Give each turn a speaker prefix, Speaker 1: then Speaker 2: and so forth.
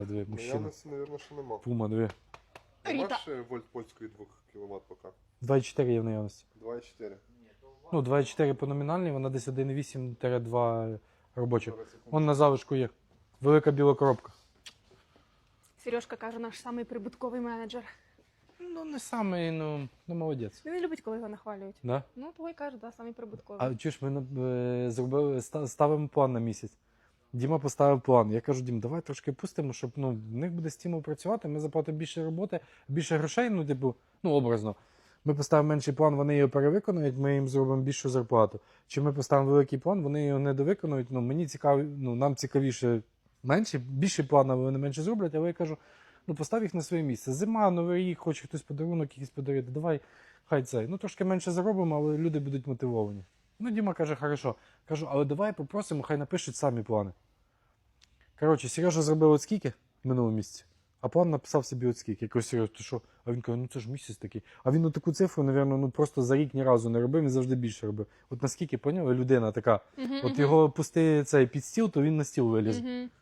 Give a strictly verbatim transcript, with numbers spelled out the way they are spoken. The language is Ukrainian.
Speaker 1: Дві, мужчина.
Speaker 2: Наявності, мабуть, що нема.
Speaker 1: Пума, дві.
Speaker 2: Нема
Speaker 3: Ріта.
Speaker 2: ще вольт польської двох кіловат поки.
Speaker 1: два і чотири є в наявності.
Speaker 2: два і чотири.
Speaker 1: Ну, два і чотири по номінальній, вона десь один і вісім два робочих. Вон на залишку є. Велика біла коробка.
Speaker 3: Сережка каже, наш самий прибутковий менеджер.
Speaker 1: Ну, не самий, ну, ну молодець.
Speaker 3: Він не любить, коли його нахвалюють.
Speaker 1: Да?
Speaker 3: Ну, того й каже, да, самий прибутковий.
Speaker 1: А чуєш, ми е, зробили, ста- ставимо план на місяць. Діма поставив план. Я кажу, Дім, давай трошки пустимо, щоб ну, в них буде стимул працювати, ми заплатимо більше роботи, більше грошей, ну, типу, ну, образно. Ми поставимо менший план, вони його перевиконують, ми їм зробимо більшу зарплату. Чи ми поставимо великий план, вони його не довиконують, ну, мені цікаво, ну, нам цікавіше менше, більший план, але вони менше зроблять, але я кажу, ну, постав їх на своє місце. Зима, новий рік, хоче хтось подарунок якийсь подарити, давай, хай це. Ну, трошки менше заробимо, але люди будуть мотивовані. Ну, Діма каже, хорошо. Кажу, але давай попросимо, хай напишуть самі плани. Коротше, Сережа зробив от скільки в минулому місяці, а план написав собі от скільки. Я кажу, Сережа, ти що? А він каже, ну це ж місяць такий. А він таку цифру, напевно, ну просто за рік ні разу не робив, він завжди більше робив. От наскільки, поняв, людина така,
Speaker 3: Мгм,
Speaker 1: от
Speaker 3: мгм.
Speaker 1: його пусти цей під стіл, то він на стіл виліз.
Speaker 3: Мгм.